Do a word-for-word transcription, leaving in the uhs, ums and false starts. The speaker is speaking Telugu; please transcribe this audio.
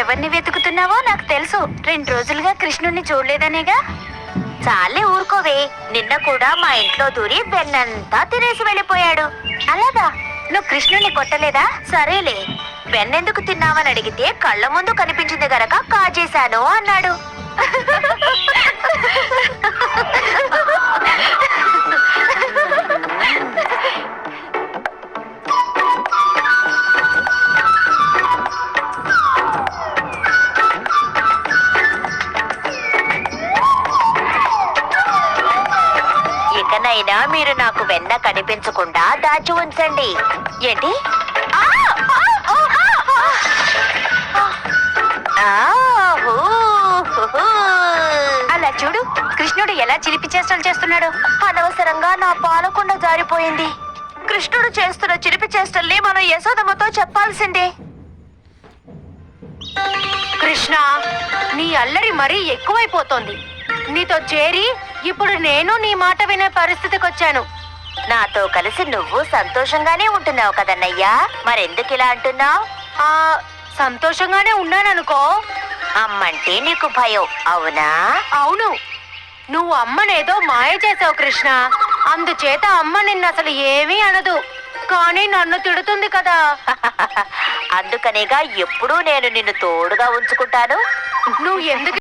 ఎవరిని వెతుకుతున్నావో నాకు తెలుసు. రెండు రోజులుగా కృష్ణుణ్ణి చూడలేదనేగా. చాలే ఊరుకోవే. నిన్న కూడా మా ఇంట్లో దూరి వెన్నంతా తినేసి వెళ్ళిపోయాడు. అలాగా? నువ్వు కృష్ణుణ్ణి కొట్టలేదా? సరేలే. వెన్నెందుకు తిన్నావని అడిగితే కళ్ళ ముందు కనిపించింది గనక కాజేశాను అన్నాడు. ఇకనైనా మీరు నాకు వెన్న కనిపించకుండా దాచి ఉంచండి. ఏంటి? ఆ! ఆ! ఓ! ఆ! ఆ! హూ! హుహూ! అలా చూడు, కృష్ణుడు ఎలా చిలిపి చేష్టలు చేస్తున్నాడు. అనవసరంగా నా పాలకుండ జారిపోయింది. కృష్ణుడు చేస్తున్న చిలిపి చేష్టల్ని మనం యశోదమ్మతో చెప్పాల్సిందే. కృష్ణ, నీ అల్లరి మరీ ఎక్కువైపోతోంది. నీతో చేరి ఇప్పుడు నేను నీ మాట వినే పరిస్థితికి వచ్చాను. నాతో కలిసి నువ్వు సంతోషంగానే ఉంటున్నావు కదన్నయ్యా, మరెందుకు ఇలా అంటున్నావు? ఆ సంతోషంగానే ఉన్నాననుకో. అమ్మంటే నీకు భయం, అవునా? అవును, నువ్వు అమ్మనేదో మాయ చేసావు కృష్ణ. అందుచేత అమ్మ నిన్ను అసలు ఏమీ అనదు, కానీ నన్ను తిడుతుంది కదా. అందుకనేగా ఎప్పుడూ నేను నిన్ను తోడుగా ఉంచుకుంటాను. నువ్వు ఎందుకు